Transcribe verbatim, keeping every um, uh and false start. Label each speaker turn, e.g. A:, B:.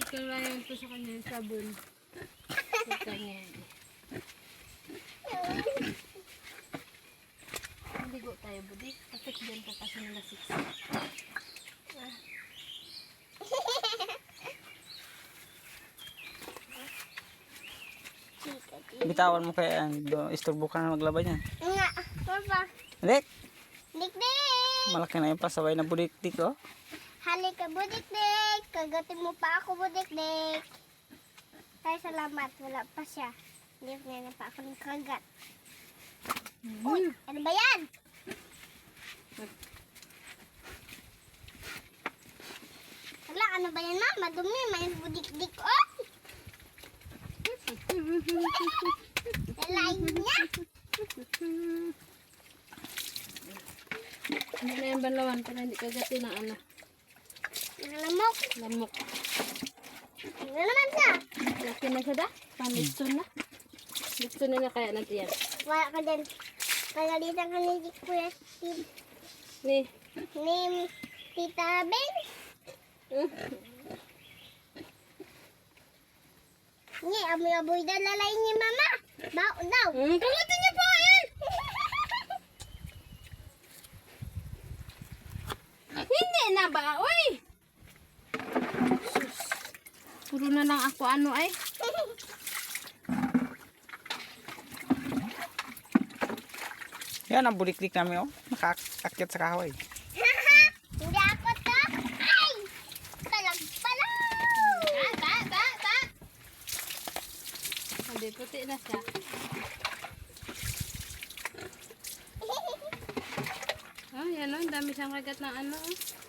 A: ko lang ito sa kanya yung sabon. Sa kanya. Ligo tayo, budi. Kapit dyan ka kasi nila six.
B: Bitawan mo kaya yan. Do- Isturbo ka na maglaba niyan.
C: Nga, papa.
B: Dik!
C: Dik-dik!
B: Malaki na yung pasaway na budik-dik, oh.
C: Halika, budik-dik. Kagatin mo pa ako, budik-dik. Ay, salamat. Wala pa siya. Hindi na pa ako ng kagat. Uy, ano ba yan? Wala, ano ba yan, ma? Madumi. May budik-dik, oh. Lalain niya.
A: Hindi na yung banlawan para hindi kagatin ng ano.
C: Nalamok.
A: Lamok.
C: Ano naman siya?
A: Laki na siya da? Panitson na. Litson na na kaya natin yan.
C: Wala ka din. Kagalitan ka ni Kuya Steve.
A: Ni.
C: Ni Tita Ben. Ni, amoy-amoy na lalay ni Mama. Bao daw.
A: Hmm, kagatin niya po yan! Hindi na ba? Uy! Sus. Puro na lang ako ano ay.
B: Yan ang budik-dik namin, oh. Nakaakyat sa kahoy.
C: Hindi ako to. Ay! Palag-palag!
A: Ba, ba, ba, ba. Hindi, puti na siya. Ah, yan o. Dami siyang kagat ng ano. Oh.